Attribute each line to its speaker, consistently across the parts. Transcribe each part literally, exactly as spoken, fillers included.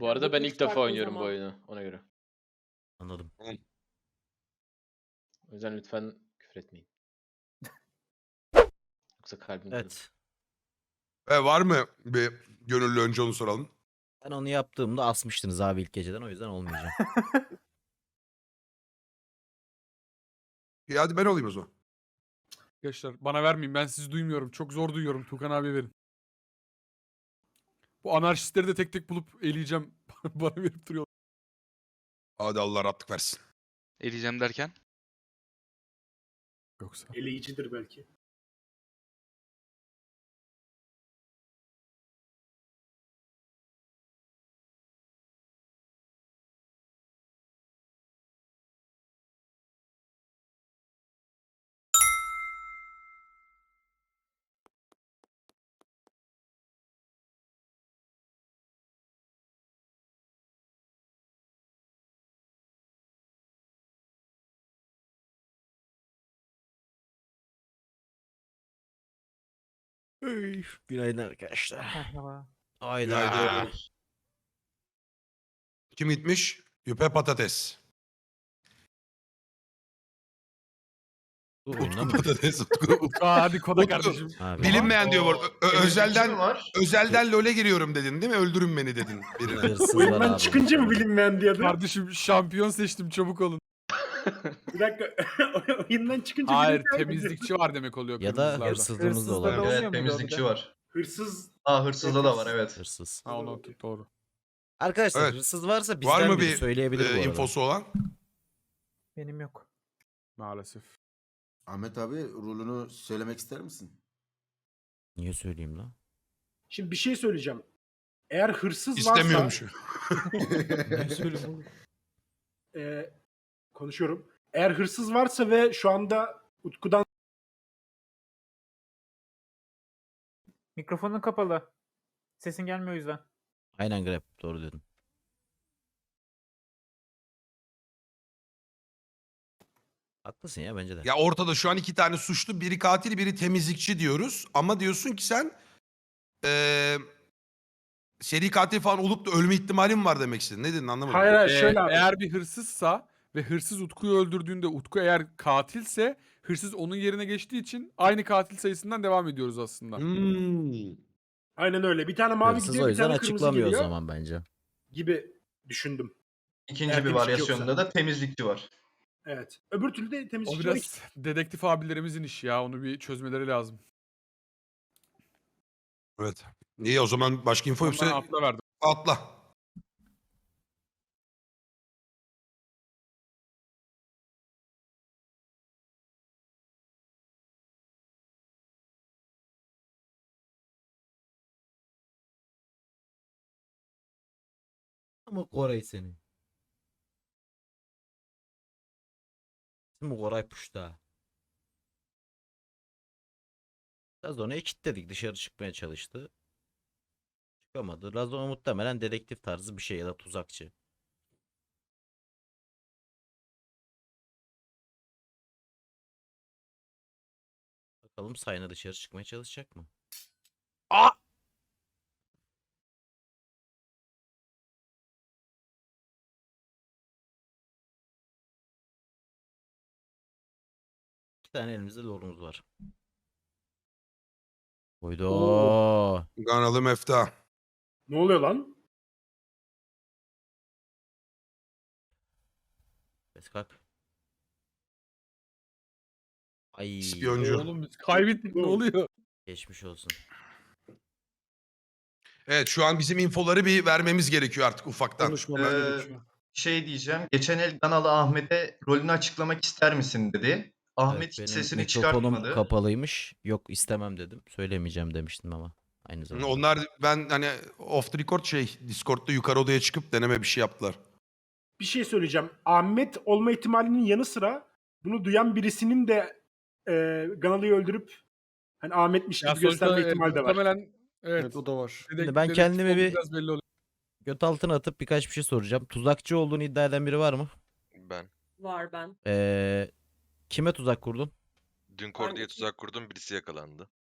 Speaker 1: Bu
Speaker 2: Ya
Speaker 1: arada
Speaker 2: bu
Speaker 1: ben
Speaker 2: üç
Speaker 1: ilk defa
Speaker 2: farklı
Speaker 1: oynuyorum bu
Speaker 2: zaman.
Speaker 1: oyunu ona göre.
Speaker 3: Anladım.
Speaker 1: O yüzden lütfen küfür etmeyin. Yoksa kalbim kırılır.
Speaker 3: Evet.
Speaker 4: E, var mı bir gönüllü, önce onu soralım.
Speaker 3: Ben onu yaptığımda asmıştınız abi ilk geceden, o yüzden olmayacağım.
Speaker 4: İyi, hadi ben olayım o zaman.
Speaker 5: Arkadaşlar bana vermeyin, ben sizi duymuyorum. Çok zor duyuyorum. Tukan abi verin. Bu anarşistleri de tek tek bulup eleyeceğim. Bana verip duruyor.
Speaker 4: Hadi Allah rahatlık versin.
Speaker 6: Eleyeceğim derken.
Speaker 5: Yoksa.
Speaker 7: Eleyicidir belki.
Speaker 3: Ey, günaydın arkadaşlar.
Speaker 8: Merhaba.
Speaker 3: Hayda.
Speaker 4: Günaydın. Kim gitmiş? Yüpe patates.
Speaker 3: Dur
Speaker 4: Utku
Speaker 3: oyundan mı?
Speaker 4: patates. Utku.
Speaker 5: Utku hadi koda
Speaker 4: Utku.
Speaker 5: kardeşim.
Speaker 3: Abi.
Speaker 4: Bilinmeyen diyor bu arada. Ö- ö- özelden,
Speaker 9: var.
Speaker 4: özelden LoL'e giriyorum dedin değil mi? Öldürün beni dedin birine.
Speaker 3: Hırsız var
Speaker 7: Oyundan
Speaker 3: abi.
Speaker 7: çıkınca mı bilinmeyen diyordu?
Speaker 5: Kardeşim şampiyon seçtim, çabuk olun.
Speaker 7: Bir dakika. Oyundan çıkınca
Speaker 5: Hayır,
Speaker 7: bilinmeyen mi
Speaker 5: temizlikçi var demek oluyor
Speaker 3: Ya da
Speaker 5: kırmızılarda.
Speaker 3: hırsızlığımız da
Speaker 8: Hırsızda
Speaker 3: olabilir.
Speaker 8: da olmuyor
Speaker 9: Evet,
Speaker 8: muydu o bir
Speaker 9: temizlikçi
Speaker 8: de?
Speaker 9: var.
Speaker 7: diyor? Hırsız.
Speaker 9: Aa hırsızda da var evet.
Speaker 3: Hırsız.
Speaker 5: Ha onu doğru.
Speaker 3: Arkadaşlar
Speaker 4: Evet.
Speaker 3: hırsız varsa
Speaker 4: Var
Speaker 3: bizden
Speaker 4: mı
Speaker 3: biri
Speaker 4: bir
Speaker 3: söyleyebilir bu
Speaker 4: e,
Speaker 3: arada.
Speaker 4: infosu olan?
Speaker 8: Benim yok.
Speaker 5: Maalesef.
Speaker 10: Ahmet abi rolünü söylemek ister misin?
Speaker 3: Niye söyleyeyim lan?
Speaker 7: Şimdi bir şey söyleyeceğim. Eğer hırsız
Speaker 4: İstemiyormuş.
Speaker 7: varsa...
Speaker 3: Niye söyleyeyim oğlum?
Speaker 7: e, konuşuyorum. Eğer hırsız varsa ve şu anda Utku'dan
Speaker 8: Mikrofonun kapalı. Sesin gelmiyor o yüzden.
Speaker 3: Aynen Grab, doğru dedin. Haklısın ya, bence de.
Speaker 4: Ya ortada şu an iki tane suçlu, biri katil, biri temizlikçi diyoruz. Ama diyorsun ki sen eee seri katil falan olup da ölme ihtimalin var demek istedin. Ne dedin anlamadım.
Speaker 7: hayır hayır
Speaker 5: Ee,
Speaker 7: şöyle abi.
Speaker 5: eğer bir hırsızsa ve hırsız Utku'yu öldürdüğünde Utku eğer katilse hırsız onun yerine geçtiği için aynı katil sayısından devam ediyoruz aslında.
Speaker 4: Hmm.
Speaker 7: Aynen öyle. Bir tane mavi
Speaker 3: Hırsız
Speaker 7: gidiyor,
Speaker 3: o
Speaker 7: bir
Speaker 3: yüzden
Speaker 7: tane kırmızı
Speaker 3: açıklamıyor o
Speaker 7: geliyor
Speaker 3: zaman bence.
Speaker 7: gibi düşündüm.
Speaker 9: İkinci
Speaker 7: Eğer
Speaker 9: bir
Speaker 7: temizlikçi
Speaker 9: varyasyonda
Speaker 7: yoksa.
Speaker 9: da temizlikçi var.
Speaker 7: Evet. Öbür türlü de
Speaker 5: O
Speaker 7: temizlikçi
Speaker 5: biraz dedektif abilerimizin işi ya. Onu bir çözmeleri lazım.
Speaker 4: Evet. İyi, o zaman başka info
Speaker 5: Ben
Speaker 4: yoksa
Speaker 5: atla verdim.
Speaker 4: atla.
Speaker 3: Ama Koray seni. İsmi Koray Puşta. Razona'yı kilitledik. Dışarı çıkmaya çalıştı. Çıkamadı. Razona muhtemelen dedektif tarzı bir şey ya da tuzakçı. Bakalım Sayna dışarı çıkmaya çalışacak mı? Aa! İki tane elimizde lorumuz var. Oydo.
Speaker 4: Ganalı Mefta.
Speaker 7: Ne oluyor lan?
Speaker 3: Beskak. Ay.
Speaker 4: İspiyoncu.
Speaker 5: Oğlum biz kaybettik, ne
Speaker 7: Oğlum.
Speaker 5: oluyor?
Speaker 3: Geçmiş olsun.
Speaker 4: Evet, şu an bizim infoları bir vermemiz gerekiyor artık ufaktan.
Speaker 7: Konuşmamız
Speaker 9: Ee,
Speaker 7: gerekiyor.
Speaker 9: Şey diyeceğim. Geçen el Ganalı Ahmet'e rolünü açıklamak ister misin dedi. Ahmet
Speaker 3: Evet,
Speaker 9: hiç
Speaker 3: benim
Speaker 9: sesini
Speaker 3: mikrofonum
Speaker 9: çıkartmadı.
Speaker 3: kapalıymış. Yok, istemem dedim. Söylemeyeceğim demiştim ama. Aynı zamanda.
Speaker 4: Onlar ben hani off the record şey Discord'da yukarı odaya çıkıp deneme bir şey yaptılar.
Speaker 7: Bir şey söyleyeceğim. Ahmet olma ihtimalinin yanı sıra bunu duyan birisinin de e, Ganalı'yı öldürüp hani Ahmet'miş
Speaker 5: Ya
Speaker 7: gibi gösterme
Speaker 5: sonuçta, e,
Speaker 7: ihtimali de var.
Speaker 5: muhtemelen evet.
Speaker 1: Evet o da var.
Speaker 5: Dedek-
Speaker 3: Şimdi ben
Speaker 5: dedektif
Speaker 3: kendimi
Speaker 5: olduğu
Speaker 3: bir-
Speaker 5: biraz belli oluyor.
Speaker 3: Göt altına atıp birkaç bir şey soracağım. Tuzakçı olduğunu iddia eden biri var mı?
Speaker 6: Ben.
Speaker 2: Var ben.
Speaker 3: Ee, kime tuzak kurdun?
Speaker 6: Dün Kor diye
Speaker 2: Ben-
Speaker 6: tuzak kurdum, birisi yakalandı.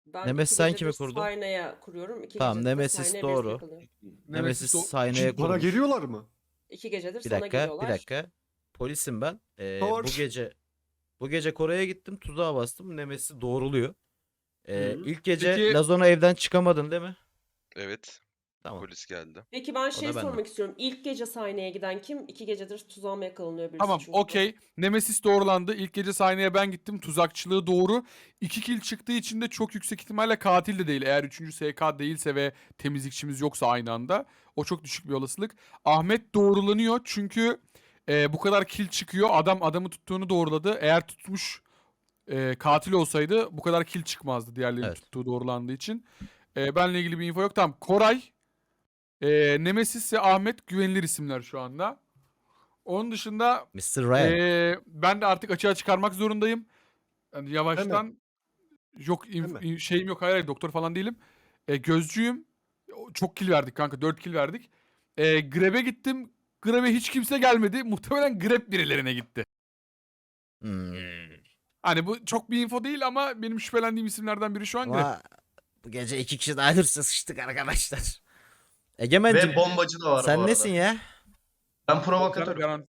Speaker 2: Ben
Speaker 3: Nemesis
Speaker 2: iki
Speaker 3: sen
Speaker 2: gecedir
Speaker 3: kimi kurdun?
Speaker 2: Sayna'ya kuruyorum. İki
Speaker 3: Tamam,
Speaker 2: gecedir de
Speaker 3: Nemesis
Speaker 2: Sayna'ya
Speaker 3: doğru.
Speaker 2: birisi yakalıyor.
Speaker 3: Nemesis
Speaker 5: o-
Speaker 3: sahneye
Speaker 11: Bana
Speaker 3: kurmuş.
Speaker 11: geliyorlar mı?
Speaker 2: İki gecedir
Speaker 3: Bir
Speaker 2: sana
Speaker 3: dakika,
Speaker 2: geliyorlar.
Speaker 3: bir dakika. Polisim ben. Ee,
Speaker 11: Doğru.
Speaker 3: bu gece bu gece Kore'ye gittim, tuzağa bastım. Nemesis'i doğruluyor. Ee,
Speaker 7: Hı hı.
Speaker 3: ilk gece
Speaker 5: Peki-
Speaker 3: Lazona evden çıkamadın değil mi?
Speaker 6: Evet.
Speaker 3: Tamam.
Speaker 6: Polis geldi.
Speaker 2: Peki ben şey
Speaker 3: da benden.
Speaker 2: sormak istiyorum. İlk gece sahneye giden kim? İki gecedir tuzağa mı yakalanıyor birisi
Speaker 5: Tamam
Speaker 2: çünkü.
Speaker 5: okey. Nemesis doğrulandı. İlk gece sahneye ben gittim. Tuzakçılığı doğru. İki kill çıktığı için de çok yüksek ihtimalle katil de değil. Eğer üçüncü S K değilse ve temizlikçimiz yoksa aynı anda. O çok düşük bir olasılık. Ahmet doğrulanıyor çünkü e, bu kadar kill çıkıyor. Adam adamı tuttuğunu doğruladı. Eğer tutmuş e, katil olsaydı bu kadar kill çıkmazdı diğerlerinin
Speaker 3: Evet.
Speaker 5: tuttuğu doğrulandığı için. E, benle ilgili bir info yok. Tamam. Koray, e, Nemesis ve Ahmet güvenilir isimler şu anda. Onun dışında
Speaker 3: mister Ryan.
Speaker 5: ee, ben de artık açığa çıkarmak zorundayım. Yani yavaştan yok inf-
Speaker 11: Hemen.
Speaker 5: in- şeyim yok, hayır, hayır doktor falan değilim. Ee, gözcüyüm. O- Çok kill verdik kanka, dört kill verdik. Ee, Grab'e gittim. Grab'e hiç kimse gelmedi. Muhtemelen Grab birilerine gitti.
Speaker 3: Hmm.
Speaker 5: Hani bu çok bir info değil ama benim şüphelendiğim isimlerden biri şu an Grab.
Speaker 3: Ama bu gece iki kişi daha hırsız sıçtık arkadaşlar. Egemen'cim
Speaker 9: Ve bombacı da var bu
Speaker 3: sen
Speaker 9: arada.
Speaker 3: nesin ya?
Speaker 9: Ben provokatörüm.
Speaker 5: Garan-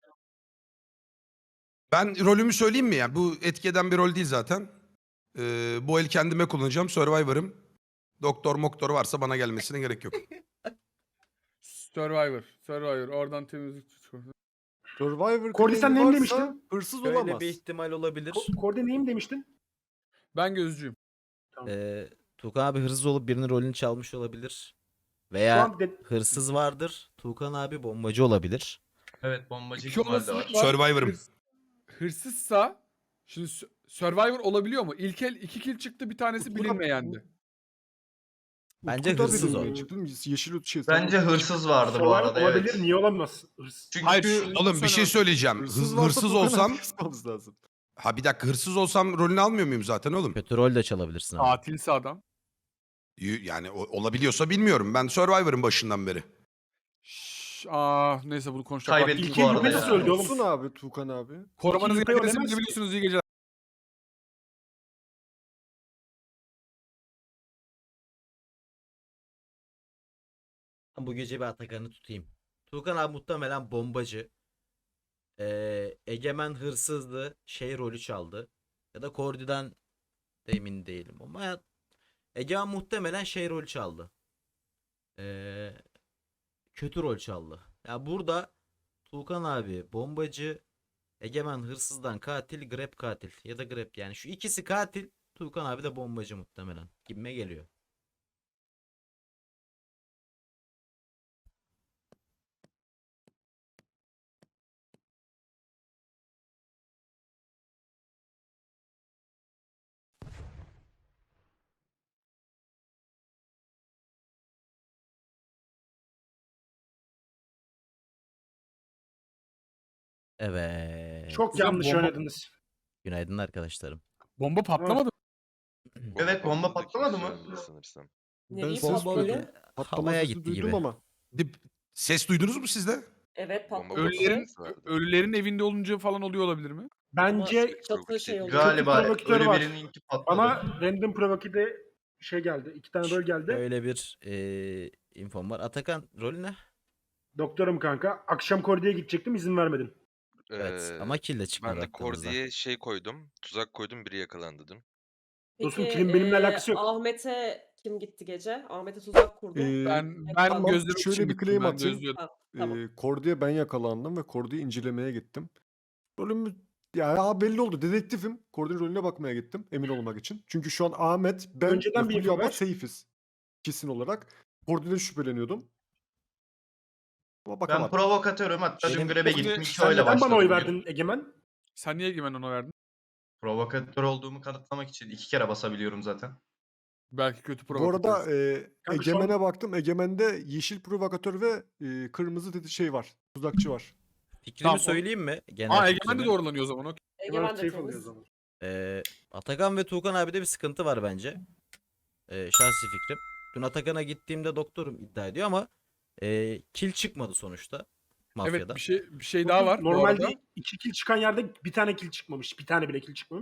Speaker 4: Ben rolümü söyleyeyim mi ya? Bu etki eden bir rol değil zaten. Ee, bu el kendime kullanacağım. Survivor'ım. Doktor moktor varsa bana gelmesine gerek yok.
Speaker 5: Survivor. Survivor. Oradan temizlikçi çıkıyor.
Speaker 11: Survivor
Speaker 7: Kordi, sen
Speaker 11: claim'i
Speaker 7: neyim
Speaker 11: varsa
Speaker 7: demiştin?
Speaker 11: Hırsız
Speaker 3: Böyle
Speaker 11: olamaz.
Speaker 3: bir ihtimal olabilir.
Speaker 7: Ko- Kordi neyim demiştin?
Speaker 5: Ben gözcüyüm.
Speaker 3: Ee, Tuğkan abi hırsız olup birinin rolünü çalmış olabilir.
Speaker 7: Şu
Speaker 3: Veya
Speaker 7: an de-
Speaker 3: hırsız vardır. Tuğkan abi bombacı olabilir.
Speaker 9: Evet, bombacı
Speaker 5: İki
Speaker 9: ihtimali de var.
Speaker 5: olasılık var.
Speaker 4: Survivor'ım.
Speaker 5: Hırs- hırsızsa şimdi Su- Survivor olabiliyor mu? İlk el iki kill çıktı, bir tanesi
Speaker 11: Utku'da-
Speaker 5: bilinmeyendi.
Speaker 3: Bence
Speaker 11: Utku'da
Speaker 3: hırsız
Speaker 11: biri
Speaker 3: o.
Speaker 11: çıktı mı? Yeşil şey.
Speaker 9: Bence hırsız vardı bu
Speaker 7: Survivor
Speaker 9: arada,
Speaker 7: olabilir.
Speaker 9: evet.
Speaker 7: Niye olamaz? Hırs-
Speaker 9: Çünkü
Speaker 5: Hayır, şu-
Speaker 4: Oğlum bir şey söyleyeceğim. Hırs-
Speaker 11: Hırsız, varsa
Speaker 4: hırsız
Speaker 11: Tuğkan
Speaker 4: olsam...
Speaker 11: abi kısmamız lazım.
Speaker 4: Ha bir dakika, hırsız olsam rolünü almıyor muyum zaten oğlum?
Speaker 3: Kötü rol de çalabilirsin ama.
Speaker 5: Katilse adam.
Speaker 4: Y- Yani o- olabiliyorsa bilmiyorum. Ben Survivor'ın başından beri.
Speaker 5: Şş, ah neyse bunu konuşacak.
Speaker 9: Kaybettik
Speaker 5: vaktimiz
Speaker 7: İlkin
Speaker 9: bu
Speaker 5: yok.
Speaker 9: arada
Speaker 7: Yupes
Speaker 9: ya.
Speaker 7: söyledi oğlum.
Speaker 11: Olsun abi Tuğkan abi.
Speaker 5: Korumanızın
Speaker 7: İlkin Yupes
Speaker 5: adresini
Speaker 7: ölemez ki.
Speaker 5: biliyorsunuz, iyi geceler.
Speaker 3: Bu gece bir Atakan'ı tutayım. Tuğkan abi muhtemelen bombacı. Ee, Egemen hırsızdı. Şey rolü çaldı. Ya da Kordi'den de emin değilim ama Egemen muhtemelen şey rolü çaldı. Ee, kötü rol çaldı. Ya burada Tuğkan abi bombacı, Egemen hırsızdan katil, Grab katil ya da Grab, yani şu ikisi katil, Tuğkan abi de bombacı muhtemelen. Gibime geliyor. Evet.
Speaker 7: Çok
Speaker 5: Güzel
Speaker 7: yanlış
Speaker 5: bomba-
Speaker 7: oynadınız.
Speaker 3: Günaydın arkadaşlarım.
Speaker 5: Bomba patlamadı mı?
Speaker 9: Evet, bomba
Speaker 6: patladı
Speaker 9: patlamadı
Speaker 6: kimse
Speaker 9: mı?
Speaker 6: ölmedi sanırsam.
Speaker 2: Nereye
Speaker 11: ses
Speaker 2: patlıyor?
Speaker 11: duydum. Patlama
Speaker 3: Havaya
Speaker 11: sesi
Speaker 3: gitti
Speaker 11: duydum
Speaker 3: gibi.
Speaker 11: ama.
Speaker 4: Dip- Ses duydunuz mu siz de?
Speaker 2: Evet
Speaker 6: Bomba
Speaker 2: patladı.
Speaker 5: Ölülerin
Speaker 6: patlaması vardı.
Speaker 5: ölülerin evinde olunca falan oluyor olabilir mi?
Speaker 7: Bence
Speaker 2: Çatı şey oluyor.
Speaker 9: Galiba
Speaker 7: provokatör
Speaker 9: ölü
Speaker 7: var.
Speaker 9: birininki patladı.
Speaker 7: bana random provokide şey geldi. İki tane rol geldi.
Speaker 3: Öyle bir eee infom var. Atakan rolü ne?
Speaker 7: Doktorum kanka. Akşam Kordi'ye gidecektim, izin vermedin.
Speaker 3: Evet
Speaker 6: Ee,
Speaker 3: ama kill de çıkmadı
Speaker 6: Ben de
Speaker 3: aklımızda.
Speaker 6: Kordi'ye şey koydum. Tuzak koydum, biri yakalandı dedim.
Speaker 7: Dostum,
Speaker 2: Peki,
Speaker 7: kimin benimle
Speaker 2: eee,
Speaker 7: alakası yok.
Speaker 2: Ahmet'e kim gitti gece? Ahmet'e tuzak kurdu.
Speaker 11: Ee,
Speaker 5: Ben ben
Speaker 2: Tamam,
Speaker 5: gözlemek
Speaker 11: şöyle
Speaker 5: için
Speaker 11: bir
Speaker 5: gittim,
Speaker 11: claim
Speaker 5: ben
Speaker 11: atayım.
Speaker 5: gözlüyordum.
Speaker 2: Ha, tamam.
Speaker 11: Ee, Kordi'ye ben yakalandım ve Kordi'yi incelemeye gittim. Rolümü ya, ya belli oldu. Dedektifim. Kordi'nin rolüne bakmaya gittim emin olmak için. Çünkü şu an Ahmet, ben
Speaker 7: Önceden
Speaker 11: ve
Speaker 7: bir
Speaker 11: Fulya
Speaker 7: info
Speaker 11: abla
Speaker 7: ver.
Speaker 11: safe'iz. Kesin olarak. Kordi'den şüpheleniyordum. Ama
Speaker 9: Ben
Speaker 11: bakamadım.
Speaker 9: provokatörüm, hatta dün
Speaker 3: Benim-
Speaker 9: Grab'e
Speaker 5: Kordi,
Speaker 9: gittim. iki
Speaker 5: sen
Speaker 9: oyla
Speaker 7: Neden
Speaker 9: başladım.
Speaker 7: bana oy
Speaker 9: bugün.
Speaker 7: verdin Egemen?
Speaker 5: Sen niye Egemen ona verdin?
Speaker 9: Provokatör olduğumu kanıtlamak için iki kere basabiliyorum zaten.
Speaker 5: Belki kötü
Speaker 11: Bu
Speaker 5: provokatör.
Speaker 11: arada e,
Speaker 7: Kanka şu an-
Speaker 11: Egemen'e baktım. Egemen'de yeşil provokatör ve e, kırmızı dedi şey var. Tuzakçı var.
Speaker 3: Fikrimi
Speaker 5: Tamam, o-
Speaker 3: söyleyeyim mi? Genel
Speaker 5: Aa Egemen
Speaker 3: fikrimi.
Speaker 5: de doğrulanıyor o zaman. okey.
Speaker 2: Egemen de
Speaker 7: safe oluyor o
Speaker 2: temiz.
Speaker 7: zaman.
Speaker 3: Ee, Atakan ve Tuğkan abide bir sıkıntı var bence. Ee, şahsi fikrim. Dün Atakan'a gittiğimde doktorum iddia ediyor ama e, kill çıkmadı sonuçta. Mafyada.
Speaker 5: Evet, bir şey bir şey daha var bu
Speaker 7: Normalde
Speaker 5: arada.
Speaker 7: iki kill çıkan yerde bir tane kill çıkmamış. Bir tane bile kill çıkmamış.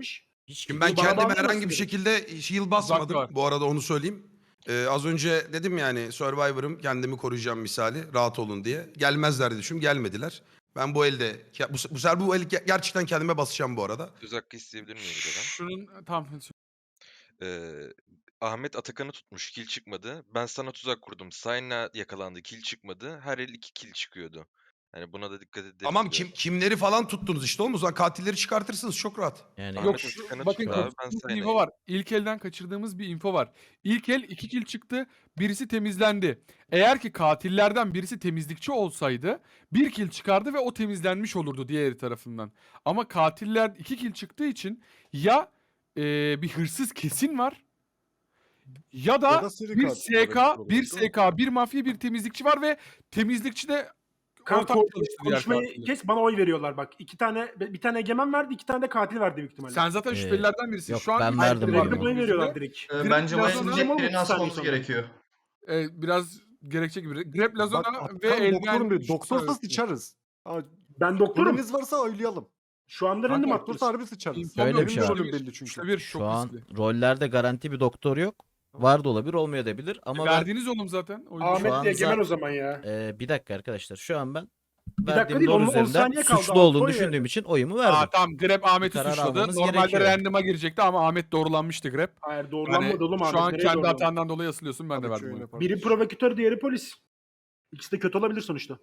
Speaker 3: Hiç
Speaker 4: Şimdi
Speaker 3: kimse-
Speaker 4: ben
Speaker 7: bana
Speaker 4: kendime
Speaker 7: bağlayamazsın
Speaker 4: herhangi bir
Speaker 7: direkt.
Speaker 4: şekilde shield basmadım.
Speaker 5: var.
Speaker 4: Bu arada onu söyleyeyim. Ee, az önce dedim yani Survivor'ım, kendimi koruyacağım misali, rahat olun diye. Gelmezler diye düşündüm, gelmediler. Ben bu elde, bu, bu sefer bu el ge- gerçekten kendime basacağım bu arada.
Speaker 6: Söz hakkı isteyebilir miyim bir de ben?
Speaker 5: Şunun tamam.
Speaker 6: Ee, Ahmet Atakan'ı tutmuş, kill çıkmadı. Ben sana tuzak kurdum. Sayna yakalandı, kill çıkmadı. Her el iki kill çıkıyordu. Yani buna da dikkat ederiz.
Speaker 4: Tamam,
Speaker 6: biraz.
Speaker 4: kim kimleri falan tuttunuz işte oğlum, o zaman katilleri çıkartırsınız çok rahat.
Speaker 3: Yani
Speaker 6: Ahmet
Speaker 5: Yok şu,
Speaker 6: Atakan'ı
Speaker 5: bakın
Speaker 6: tuttu abi, ben
Speaker 5: kaçırdığımız bir
Speaker 6: Sayna'yı.
Speaker 5: info var. İlk elden kaçırdığımız bir info var. İlk el iki kill çıktı. Birisi temizlendi. Eğer ki katillerden birisi temizlikçi olsaydı bir kill çıkardı ve o temizlenmiş olurdu diğer tarafından. Ama katiller iki kill çıktığı için ya eee, bir hırsız kesin var ya da,
Speaker 11: Ya da seri
Speaker 5: bir
Speaker 11: katil
Speaker 5: S K,
Speaker 11: olabilir,
Speaker 5: bir
Speaker 11: değil mi?
Speaker 5: S K, bir mafya, bir temizlikçi var ve temizlikçi de
Speaker 7: Kanka
Speaker 5: ortak
Speaker 7: ko-
Speaker 5: çalıştı diğer
Speaker 7: konuşmayı
Speaker 5: katiller.
Speaker 7: kes, bana oy veriyorlar bak. İki tane bir tane egemen verdi, iki tane de katil verdi büyük ihtimalle.
Speaker 5: Sen zaten
Speaker 3: Ee,
Speaker 5: şüphelilerden birisin.
Speaker 3: yok,
Speaker 5: Şu an
Speaker 3: ben
Speaker 5: üç
Speaker 3: verdim
Speaker 5: şüpheli var
Speaker 3: oyumu.
Speaker 7: Bana oy
Speaker 5: gözümüzde.
Speaker 7: veriyorlar direkt.
Speaker 9: Ee,
Speaker 5: Grip
Speaker 9: bence bu
Speaker 5: Lazona
Speaker 9: elin
Speaker 7: ama
Speaker 9: tek birinin
Speaker 7: otuz saniye
Speaker 9: asmamız
Speaker 7: sonra.
Speaker 9: gerekiyor.
Speaker 5: Ee, biraz gerekçe gibi. Grep Lazona
Speaker 11: Bak
Speaker 5: ve
Speaker 11: Atakan
Speaker 5: Elden
Speaker 11: doktorum diyor.
Speaker 5: üç
Speaker 11: Doktorsa
Speaker 5: tane-
Speaker 11: sıçarız. Ha,
Speaker 7: Ben doktorum.
Speaker 11: rolünüz varsa oylayalım.
Speaker 7: Şu anda
Speaker 5: Kanka,
Speaker 7: random
Speaker 5: doktorsa
Speaker 7: atıyoruz.
Speaker 11: Doktorsa harbi sıçarız.
Speaker 5: İnfom
Speaker 3: Şöyle
Speaker 5: yok.
Speaker 3: bir şey
Speaker 11: Benim
Speaker 3: var.
Speaker 11: rolüm
Speaker 5: Üçte bir.
Speaker 11: belli çünkü.
Speaker 5: Üçte bir
Speaker 3: Şu
Speaker 5: çok
Speaker 3: an
Speaker 5: riskli.
Speaker 3: rollerde garanti bir doktor yok. Var da olabilir, olmayabilir ama ben
Speaker 5: Verdiğiniz oğlum zaten. O yüzden.
Speaker 7: Ahmet
Speaker 3: an
Speaker 7: de egemen
Speaker 3: za-
Speaker 7: o zaman ya.
Speaker 3: Ee, bir dakika arkadaşlar. Şu an ben
Speaker 7: dakika
Speaker 3: verdiğim
Speaker 7: değil,
Speaker 3: rol
Speaker 7: on- on
Speaker 3: üzerinden
Speaker 7: saniye kaldı.
Speaker 3: suçlu
Speaker 7: Altı
Speaker 3: olduğunu
Speaker 7: oy
Speaker 3: düşündüğüm
Speaker 7: verdim.
Speaker 3: için oyumu verdim.
Speaker 5: Aa tamam, Grep Ahmet'i
Speaker 3: karar
Speaker 5: suçladı.
Speaker 3: almamız
Speaker 5: Normalde
Speaker 3: gerekiyor.
Speaker 5: random'a girecekti ama Ahmet doğrulanmıştı Grep.
Speaker 7: Hayır
Speaker 5: Yani
Speaker 7: doğrulanmadı oğlum Ahmet.
Speaker 5: şu an
Speaker 7: Nereye
Speaker 5: kendi
Speaker 7: doğrulandı?
Speaker 5: hatandan dolayı asılıyorsun, ben de
Speaker 11: Tabii
Speaker 5: verdim
Speaker 11: ki
Speaker 5: onu.
Speaker 11: öyle
Speaker 7: Biri
Speaker 11: kardeş.
Speaker 7: provokatör, diğeri polis. İkisi de kötü olabilir sonuçta.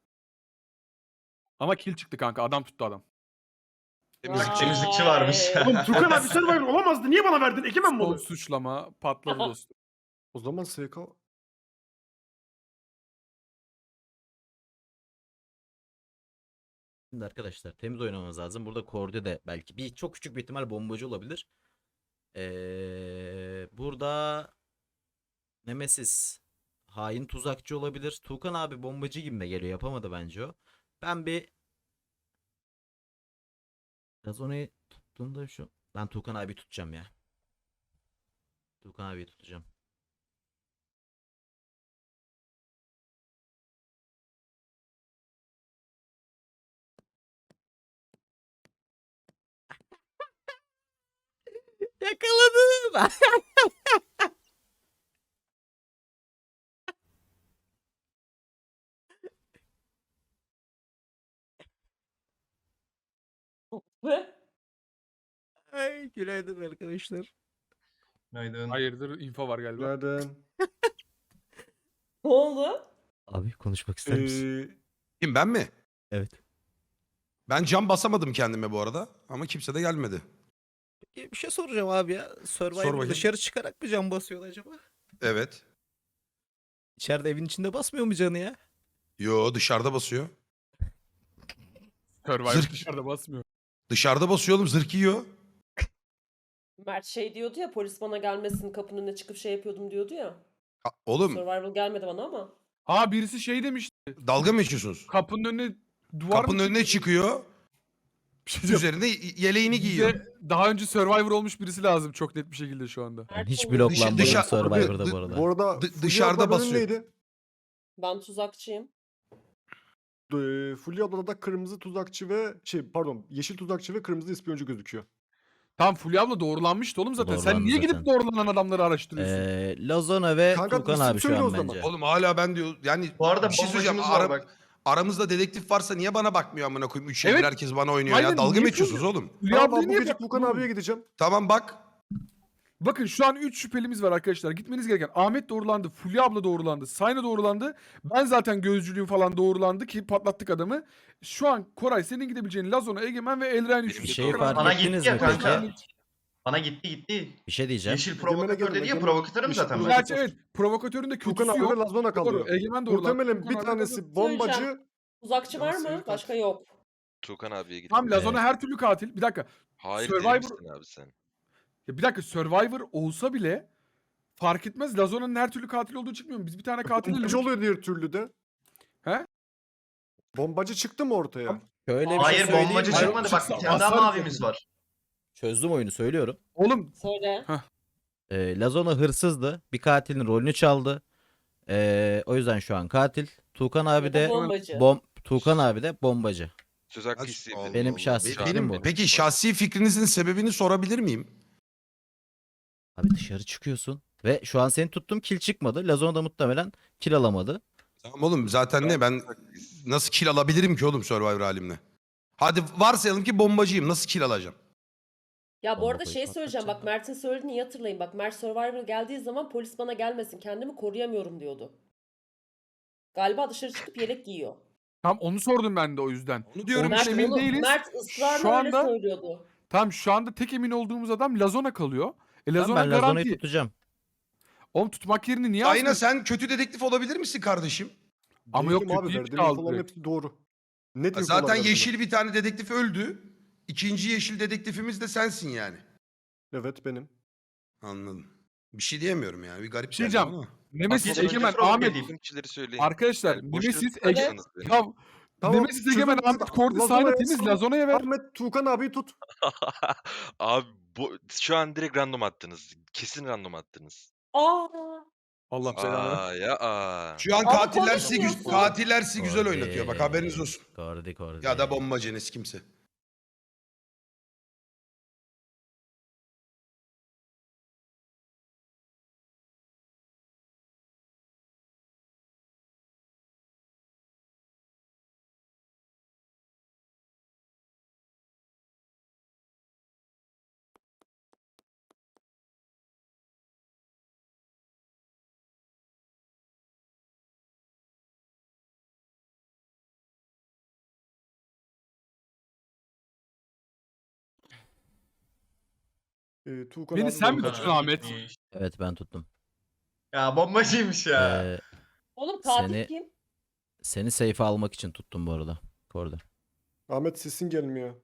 Speaker 5: Ama kill çıktı kanka, adam tuttu adam.
Speaker 9: Temizlik- temizlikçi varmış.
Speaker 2: Vay.
Speaker 7: Oğlum Tukan abi Survivor olamazdı. Niye bana verdin? Egemen mi
Speaker 5: Son
Speaker 7: olur?
Speaker 5: suçlama patladı dostum.
Speaker 11: O zaman S K
Speaker 3: Şimdi arkadaşlar temiz oynamamız lazım. Burada Kordi de belki bir çok küçük bir ihtimal bombacı olabilir. Ee, burada Nemesis hain tuzakçı olabilir. Tuğkan abi bombacı gibi de geliyor. Yapamadı bence o. Ben bir Lazona'yı tuttuğumda şu. Ben Tuğkan abi tutacağım ya. Tuğkan abi tutacağım. Yakaladım. Ay, günaydın arkadaşlar.
Speaker 9: Günaydın.
Speaker 5: Hayırdır, info var galiba.
Speaker 11: Günaydın.
Speaker 2: Ne oldu?
Speaker 3: Abi konuşmak ister misin?
Speaker 11: Ee,
Speaker 4: Kim, ben mi?
Speaker 3: Evet.
Speaker 4: Ben cam basamadım kendime bu arada ama kimse de gelmedi.
Speaker 3: Peki, bir şey soracağım abi ya. Survivor
Speaker 4: bakayım.
Speaker 3: dışarı çıkarak mı can basıyor acaba?
Speaker 4: Evet.
Speaker 3: İçeride evin içinde basmıyor mu canı ya?
Speaker 4: Yo, dışarıda basıyor.
Speaker 5: Survivor
Speaker 4: Zırh-
Speaker 5: dışarıda basmıyor.
Speaker 4: Dışarıda basıyor oğlum, zırh yiyor.
Speaker 2: Mert şey diyordu ya, polis bana gelmesin, kapının önüne çıkıp şey yapıyordum diyordu ya.
Speaker 4: Ha, oğlum
Speaker 2: Survival gelmedi bana ama.
Speaker 5: Aa birisi şey demişti.
Speaker 4: dalga mı geçiyorsunuz?
Speaker 5: Kapının önüne duvar
Speaker 4: Kapının
Speaker 5: mı
Speaker 4: önüne çıkıyor.
Speaker 5: Bir şey diyeceğim.
Speaker 4: Üzerinde yeleğini giyiyor.
Speaker 5: Bize daha önce Survivor olmuş birisi lazım çok net bir şekilde şu anda.
Speaker 3: Ben
Speaker 2: Mert
Speaker 3: hiç
Speaker 2: oldu.
Speaker 3: bloklanmadım
Speaker 4: dışa-
Speaker 3: Survivor'da
Speaker 4: dı-
Speaker 3: bu arada.
Speaker 11: bu arada
Speaker 4: Dı-
Speaker 11: Fulya
Speaker 4: dışarıda
Speaker 11: ablanın
Speaker 4: basıyor.
Speaker 11: neydi?
Speaker 2: Ben tuzakçıyım.
Speaker 11: Ee, Fulya ablada da kırmızı tuzakçı ve şey pardon yeşil tuzakçı ve kırmızı ispiyoncu gözüküyor.
Speaker 5: Tam Fulya abla doğrulanmıştı oğlum zaten. Sen
Speaker 3: Doğrulandı
Speaker 5: niye gidip
Speaker 3: zaten.
Speaker 5: doğrulanan adamları araştırıyorsun?
Speaker 3: Ee, Lazona ve
Speaker 11: Kanka,
Speaker 3: Tuğkan
Speaker 11: isim
Speaker 3: abi şu
Speaker 11: söyle o
Speaker 3: an
Speaker 11: zaman.
Speaker 3: bence.
Speaker 4: Oğlum hala ben diyor yani
Speaker 9: Bu arada
Speaker 4: bir şey söyleyeceğim.
Speaker 9: bombacımız var
Speaker 4: Ara-
Speaker 9: bak.
Speaker 4: aramızda dedektif varsa niye bana bakmıyor amına koyayım? Üç şeydir
Speaker 5: Evet.
Speaker 4: herkes bana oynuyor
Speaker 5: Aynen,
Speaker 4: ya. Dalga
Speaker 5: niye
Speaker 4: mı geçiyorsunuz oğlum?
Speaker 5: Fulya
Speaker 11: Tamam
Speaker 5: ablayı
Speaker 11: abi bu
Speaker 5: niye
Speaker 11: gece
Speaker 5: bıraktın
Speaker 11: Tuğkan
Speaker 5: oğlum?
Speaker 11: abiye gideceğim.
Speaker 4: Tamam bak.
Speaker 5: Bakın şu an üç şüphelimiz var arkadaşlar. Gitmeniz gereken Ahmet doğrulandı, Fulya abla doğrulandı, Sayna doğrulandı. Ben zaten gözcülüğüm falan doğrulandı ki patlattık adamı. Şu an Koray senin gidebileceğin Lazona, Egemen ve Elren
Speaker 6: Benim
Speaker 3: Bir
Speaker 6: de
Speaker 3: şeyi
Speaker 6: doğru.
Speaker 3: fark
Speaker 9: Bana
Speaker 3: ettiniz
Speaker 9: gitti ya
Speaker 3: mi
Speaker 9: kanka.
Speaker 3: peki?
Speaker 9: Bana gitti gitti.
Speaker 3: Bir şey diyeceğim.
Speaker 9: Yeşil
Speaker 11: Egemen'e
Speaker 9: provokatör
Speaker 11: gelin,
Speaker 9: dedi ya,
Speaker 11: Egemen-
Speaker 9: provokatörüm
Speaker 11: Yeşil
Speaker 9: zaten ben.
Speaker 11: provokatör.
Speaker 5: Gerçi evet, provokatörün de
Speaker 11: Tuğkan
Speaker 5: kötüsü
Speaker 11: abi ve
Speaker 5: yok.
Speaker 11: Lazona kalıyor.
Speaker 5: Doğru, Egemen doğrulandı.
Speaker 11: Muhtemelen bir
Speaker 5: Tuğkan abi de-
Speaker 11: tanesi bombacı.
Speaker 2: Tuzakçı var
Speaker 11: Seri
Speaker 2: mı?
Speaker 11: katil.
Speaker 2: Başka yok.
Speaker 6: Tuğkan abiye gidip.
Speaker 5: Tam Lazona her türlü katil. Bir dakika.
Speaker 6: Hayır
Speaker 5: Survivor-
Speaker 6: değil misin abi sen?
Speaker 5: Ya bir dakika, Survivor olsa bile fark etmez. Lazona'nın her türlü katil olduğu çıkmıyor mu? Biz bir tane katil
Speaker 11: Bombacı oluyor diğer türlü de.
Speaker 5: He?
Speaker 11: Bombacı çıktı mı ortaya?
Speaker 3: Şöyle bir şey
Speaker 9: Hayır
Speaker 3: söyleyeyim
Speaker 9: bombacı
Speaker 3: mi?
Speaker 9: çıkmadı bak,
Speaker 5: Çıksa
Speaker 9: bir tane daha
Speaker 5: basarız
Speaker 9: mavimiz
Speaker 5: yani.
Speaker 9: var.
Speaker 3: Çözdüm oyunu söylüyorum.
Speaker 5: Oğlum
Speaker 2: Söyle.
Speaker 3: Ee, Lazona hırsızdı. Bir katilin rolünü çaldı. Ee, o yüzden şu an katil. Tuğkan abi
Speaker 2: Ya da
Speaker 3: de
Speaker 2: bombacı.
Speaker 3: bom Tuğkan abi de bombacı.
Speaker 6: Söz hakkı
Speaker 4: Allah
Speaker 6: isteyebilirim.
Speaker 3: Benim
Speaker 4: Allah.
Speaker 3: şahsi
Speaker 4: Be-
Speaker 3: fikrim
Speaker 4: benim-
Speaker 3: bu.
Speaker 4: Peki şahsi fikrinizin sebebini sorabilir miyim?
Speaker 3: Abi dışarı çıkıyorsun ve şu an seni tuttum kill çıkmadı. Lazona da muhtemelen kill alamadı.
Speaker 4: Tamam oğlum zaten ne ben nasıl kill alabilirim ki oğlum Survivor halimle? Hadi varsayalım ki bombacıyım. Nasıl kill alacağım?
Speaker 2: Ya bu
Speaker 3: Bomba
Speaker 2: arada
Speaker 3: koyup
Speaker 2: şey söyleyeceğim. Bak
Speaker 3: patlatacağım.
Speaker 2: Mert'in söylediğini iyi hatırlayın. Bak Mert Survivor geldiği zaman polis bana gelmesin. Kendimi koruyamıyorum diyordu. Galiba dışarı çıkıp yelek giyiyor.
Speaker 5: Tam onu sordum ben de o yüzden.
Speaker 4: Onu diyorum
Speaker 5: Mert-
Speaker 4: işte.
Speaker 5: emin
Speaker 2: onu,
Speaker 5: değiliz.
Speaker 2: Mert ısrarla
Speaker 5: Şu
Speaker 2: öyle
Speaker 5: anda-
Speaker 2: söylüyordu.
Speaker 5: Tamam şu anda tek emin olduğumuz adam Lazona kalıyor. E
Speaker 3: Tamam,
Speaker 5: Lazona
Speaker 3: ben Lazona'yı
Speaker 5: garanti.
Speaker 3: tutacağım.
Speaker 5: Oğlum tutmak yerine niye
Speaker 4: Ayna
Speaker 5: asmıyorsun?
Speaker 4: sen kötü dedektif olabilir misin kardeşim?
Speaker 5: Ama yok,
Speaker 11: Değilim abi,
Speaker 5: kötü
Speaker 11: verdiğim
Speaker 5: aldı
Speaker 11: infoların
Speaker 5: direkt.
Speaker 11: hepsi doğru. Net infolar
Speaker 4: Zaten
Speaker 11: verdiler.
Speaker 4: yeşil bir tane dedektif öldü. İkinci yeşil dedektifimiz de sensin yani.
Speaker 11: Evet benim.
Speaker 4: Anladım. Bir şey diyemiyorum yani. Bir garip
Speaker 5: Bir şey
Speaker 4: geldi
Speaker 5: diyeceğim.
Speaker 4: ama.
Speaker 5: Nemesis
Speaker 9: Bak,
Speaker 5: Egemen
Speaker 9: Frog
Speaker 5: Ahmet.
Speaker 9: geleyim.
Speaker 6: Bütün kişileri söyleyin.
Speaker 5: Arkadaşlar
Speaker 6: Yani boş
Speaker 5: Nemesis
Speaker 6: yere
Speaker 5: Egemen.
Speaker 6: tutmazsanız beni.
Speaker 5: Tamam.
Speaker 11: Tamam,
Speaker 5: Nemesis Egemen
Speaker 11: çözüm-
Speaker 5: Ahmet Kordi
Speaker 11: Lazona'ya
Speaker 5: Sayna temiz
Speaker 11: sal-
Speaker 5: Lazona'ya ver.
Speaker 11: Ahmet Tuğkan abiyi tut.
Speaker 6: Abi bu, şu an direkt random attınız. Kesin random attınız.
Speaker 2: Aa,
Speaker 5: Allah belanı.
Speaker 6: Aa ya aa.
Speaker 4: Şu an
Speaker 2: Ama
Speaker 4: katiller sizi, güz-
Speaker 2: konuşmuyorsun.
Speaker 4: katiller sizi güzel
Speaker 3: Kordi.
Speaker 4: oynatıyor. Bak haberiniz olsun.
Speaker 3: Kordi Kordi.
Speaker 4: Ya da bombacınız kimse.
Speaker 11: Ee, Tuğkan
Speaker 5: Beni
Speaker 11: abi
Speaker 5: sen mi
Speaker 11: bombacı.
Speaker 5: tuttun Ahmet?
Speaker 3: Evet ben tuttum.
Speaker 9: Ya bombacıymış ya.
Speaker 3: Ee,
Speaker 2: oğlum katil
Speaker 3: Seni-
Speaker 2: kim?
Speaker 3: seni safe'e almak için tuttum bu arada. Kordi.
Speaker 11: Ahmet sesin gelmiyor.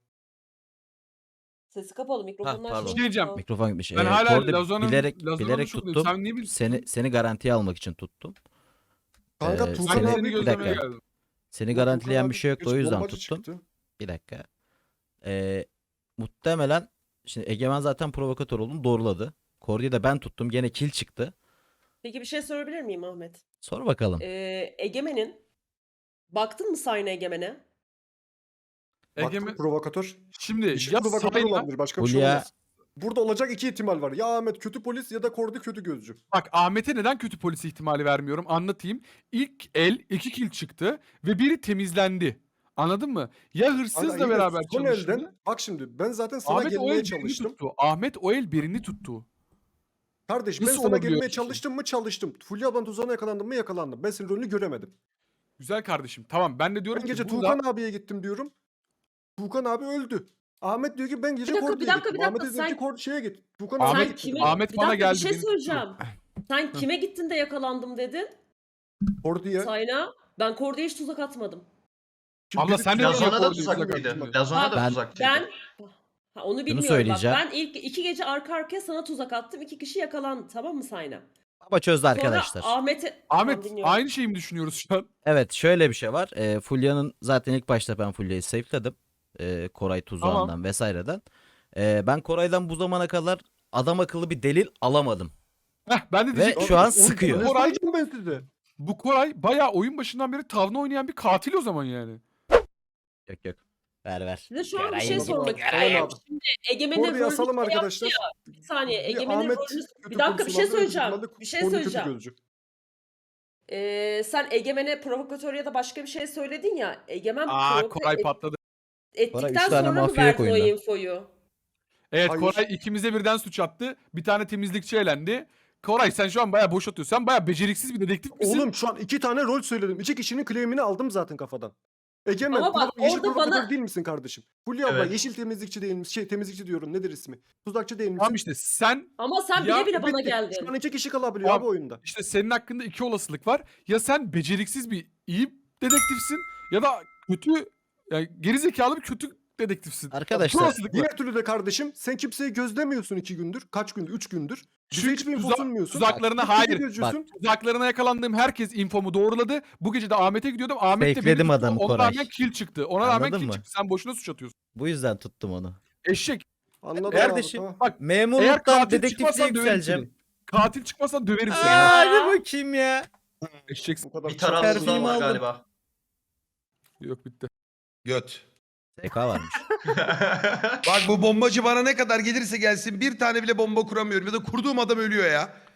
Speaker 2: Sesi kapalı mikrofonlar.
Speaker 3: pardon.
Speaker 2: şey
Speaker 5: Bir şey diyeceğim.
Speaker 2: yapıyor.
Speaker 3: Mikrofon gitmiş.
Speaker 5: Ben
Speaker 3: Ee,
Speaker 5: hala
Speaker 3: Kordi
Speaker 5: Lazona'nın
Speaker 3: bilerek
Speaker 5: Lazona'nın
Speaker 3: bilerek
Speaker 5: şuradayım.
Speaker 3: tuttum.
Speaker 5: Sen niye bilirsin?
Speaker 3: Seni seni garantiye almak için tuttum.
Speaker 11: Kanka
Speaker 3: Ee,
Speaker 11: Tuğkan
Speaker 5: Ben
Speaker 3: seni-
Speaker 5: seni
Speaker 11: abi
Speaker 3: bir
Speaker 5: gözlemeye
Speaker 3: dakika.
Speaker 5: geldim.
Speaker 3: Seni
Speaker 11: Tuğkan
Speaker 3: garantileyen
Speaker 11: abi
Speaker 3: bir şey yoktu o
Speaker 11: geç
Speaker 3: yüzden
Speaker 11: bombacı
Speaker 3: tuttum.
Speaker 11: çıktı.
Speaker 3: Bir dakika. Ee, muhtemelen şimdi Egemen zaten provokatör olduğunu doğruladı. Kordi'yi de ben tuttum. Gene kill çıktı.
Speaker 2: Peki bir şey sorabilir miyim Ahmet?
Speaker 3: Sor bakalım.
Speaker 2: Ee, Egemen'in baktın mı Sayna Egemen'e?
Speaker 11: Baktım,
Speaker 5: Egemen
Speaker 11: provokatör.
Speaker 5: şimdi
Speaker 11: Yeşil
Speaker 5: ya
Speaker 11: provokatör
Speaker 5: Sayna
Speaker 11: olabilir. Başka bir şey
Speaker 3: Hulya-
Speaker 11: olmaz. Burada olacak iki ihtimal var. Ya Ahmet kötü polis ya da Kordi kötü gözcü.
Speaker 5: bak Ahmet'e neden kötü polis ihtimali vermiyorum anlatayım. İlk el iki kill çıktı ve biri temizlendi. Anladın mı? Ya
Speaker 11: Kanka
Speaker 5: hırsızla
Speaker 11: yine
Speaker 5: beraber
Speaker 11: son
Speaker 5: çalıştı.
Speaker 11: elden bak şimdi ben zaten sana
Speaker 5: Ahmet o
Speaker 11: gelmeye
Speaker 5: el birini
Speaker 11: çalıştım.
Speaker 5: tuttu. Ahmet o el birini tuttu.
Speaker 11: Kardeş ben
Speaker 5: Nasıl
Speaker 11: sana
Speaker 5: olabiliyor
Speaker 11: gelmeye
Speaker 5: öyle bir şey?
Speaker 11: çalıştım mı çalıştım. Fulya ablanın tuzağına yakalandım mı yakalandım. Ben senin rolünü göremedim.
Speaker 5: Güzel kardeşim. Tamam ben de diyorum
Speaker 11: Ben
Speaker 5: ki
Speaker 11: gece
Speaker 5: burada
Speaker 11: Tuğkan abiye gittim diyorum. Tuğkan abi öldü. Ahmet diyor ki ben gece
Speaker 2: Bir dakika, bir
Speaker 11: Kordi'ye
Speaker 2: dakika,
Speaker 11: gittim.
Speaker 2: bir
Speaker 11: Ahmet
Speaker 2: dakika,
Speaker 11: dedim ki
Speaker 2: sen-
Speaker 11: Kor şeye git. Tuğkan
Speaker 5: Ahmet-
Speaker 11: abiye
Speaker 2: Sen
Speaker 11: gittim.
Speaker 2: kime...
Speaker 5: Ahmet
Speaker 2: bir
Speaker 5: bana
Speaker 2: dakika,
Speaker 5: geldi,
Speaker 2: bir şey
Speaker 5: beni tuttu.
Speaker 2: söyleyeceğim. Sen kime gittin de yakalandım dedin?
Speaker 11: Kordi'ye.
Speaker 2: Sayna. Ben Kordi'ye hiç tuzak atmadım.
Speaker 11: Şimdi
Speaker 5: Abla
Speaker 11: biri
Speaker 5: sen de
Speaker 11: Tuğkan
Speaker 5: niye
Speaker 9: Lazona da
Speaker 5: Kordi'yi
Speaker 11: abiye
Speaker 5: tuzak
Speaker 9: tuzaklıydı.
Speaker 11: gittim.
Speaker 9: Lazona da
Speaker 3: Ben-
Speaker 9: tuzaklıydı.
Speaker 2: Ben ha, onu bilmiyorum
Speaker 3: söyleyeceğim.
Speaker 2: bak. Ben ilk iki gece arka arkaya sana tuzak attım. İki kişi yakalandı, tamam mı Sayna?
Speaker 3: Baba çözdü
Speaker 2: Sonra
Speaker 3: arkadaşlar.
Speaker 2: Ahmet'e...
Speaker 5: Ahmet
Speaker 2: Tamam, dinliyorum.
Speaker 5: aynı şeyi mi düşünüyoruz şu an?
Speaker 3: Evet şöyle bir şey var. Ee, Fulya'nın zaten ilk başta ben Fulya'yı safe'ledim. Ee, Koray tuzağından vesaireden. Ee, ben Koray'dan bu zamana kadar adam akıllı bir delil alamadım.
Speaker 5: Heh, ben de
Speaker 3: Ve
Speaker 5: diyecektim.
Speaker 3: şu an
Speaker 11: Oğlum,
Speaker 3: sıkıyor.
Speaker 11: Ne
Speaker 5: Koray-
Speaker 11: soracağım ben size?
Speaker 5: Bu Koray bayağı oyun başından beri tavla oynayan bir katil o zaman yani.
Speaker 3: Yok yok. Ver ver.
Speaker 2: Size şu an bir
Speaker 3: Göreyim,
Speaker 2: şey
Speaker 11: Anladım
Speaker 2: sormak
Speaker 11: abi.
Speaker 2: istiyorum.
Speaker 11: Tamam abi.
Speaker 2: Şimdi Egemen'in
Speaker 11: Kordi'yi
Speaker 2: rolünü
Speaker 11: asalım
Speaker 2: şey yaptı
Speaker 11: arkadaşlar.
Speaker 2: ya. Bir saniye.
Speaker 11: Bir
Speaker 2: Egemen'in
Speaker 11: Ahmet
Speaker 2: rolünü...
Speaker 11: kötü
Speaker 2: Bir dakika bir şey
Speaker 11: polis olabilir,
Speaker 2: söyleyeceğim.
Speaker 11: ihtimalle
Speaker 2: Bir şey
Speaker 11: Kordi kötü
Speaker 2: söyleyeceğim.
Speaker 11: gözcü.
Speaker 2: Ee, sen Egemen'e provokatör ya da başka bir şey söyledin ya. Egemen
Speaker 5: Aa
Speaker 2: provoke
Speaker 5: Koray
Speaker 2: et-
Speaker 5: patladı.
Speaker 2: ettikten
Speaker 3: üç tane
Speaker 2: sonra mı
Speaker 3: mafya
Speaker 2: verdin o
Speaker 3: oyunda.
Speaker 2: infoyu?
Speaker 5: Evet
Speaker 11: Hayır.
Speaker 5: Koray ikimize birden suç attı. Bir tane temizlikçi elendi. Koray sen şu an bayağı boş atıyorsun. Sen bayağı beceriksiz bir dedektif misin?
Speaker 11: Oğlum şu an iki tane rol söyledim. İki kişinin claim'ini aldım zaten kafadan. Egemen,
Speaker 2: Ama bak,
Speaker 11: prova- yeşil
Speaker 2: orada
Speaker 11: provokatör
Speaker 2: bana-
Speaker 11: değil misin kardeşim? Fulya abla
Speaker 9: Evet.
Speaker 11: yeşil temizlikçi değil misin? Şey temizlikçi diyorum nedir ismi? Tuzakçı değil misin?
Speaker 5: Tamam işte sen
Speaker 2: Ama sen
Speaker 5: Ya,
Speaker 2: bile bile bana
Speaker 11: Bitti.
Speaker 2: geldin.
Speaker 11: Şu an iki kişi kalabiliyor
Speaker 5: Tamam.
Speaker 11: abi oyunda.
Speaker 5: işte senin hakkında iki olasılık var. Ya sen beceriksiz bir iyi dedektifsin ya da kötü yani gerizekalı bir kötü dedektifsin.
Speaker 3: Arkadaşlar,
Speaker 5: İki olasılık var.
Speaker 11: Diğer türlü de kardeşim sen kimseyi gözlemiyorsun iki gündür. Kaç gündür? Üç gündür. Bize
Speaker 5: Çünkü
Speaker 11: hiçbir info
Speaker 5: tuzak-
Speaker 11: sunmuyorsun.
Speaker 5: tuzaklarına
Speaker 11: Bir
Speaker 5: hayır.
Speaker 11: kötü gözcüsün.
Speaker 5: Tuzaklarına yakalandığım herkes infomu doğruladı. Bu gece de Ahmet'e gidiyordum. Ahmet de beni
Speaker 3: Fakeledim
Speaker 5: tuttu.
Speaker 3: adamı
Speaker 5: Ona
Speaker 3: Koray.
Speaker 5: rağmen kill çıktı. Ona rağmen
Speaker 3: Anladın
Speaker 5: kill
Speaker 3: mı?
Speaker 5: çıktı. Sen boşuna suç atıyorsun.
Speaker 3: Bu yüzden tuttum onu.
Speaker 5: Eşek.
Speaker 11: Anladım
Speaker 3: Kardeşim,
Speaker 11: abi. Tamam.
Speaker 5: Bak eğer
Speaker 3: Memurluktan
Speaker 5: katil
Speaker 3: dedektifliğe
Speaker 5: çıkmazsan döverim
Speaker 3: yükseleceğim.
Speaker 5: seni. Katil çıkmazsan döverim seni.
Speaker 3: Aa, hadi bakayım ya.
Speaker 5: Eşeksin.
Speaker 11: Bu kadar
Speaker 9: Bir
Speaker 3: Terfimi
Speaker 9: tarafsızdan var
Speaker 3: aldım.
Speaker 9: galiba.
Speaker 5: Yok bitti.
Speaker 4: Göt.
Speaker 3: S K varmış.
Speaker 4: Bak bu bombacı bana ne kadar gelirse gelsin bir tane bile bomba kuramıyorum ya da kurduğum adam ölüyor ya.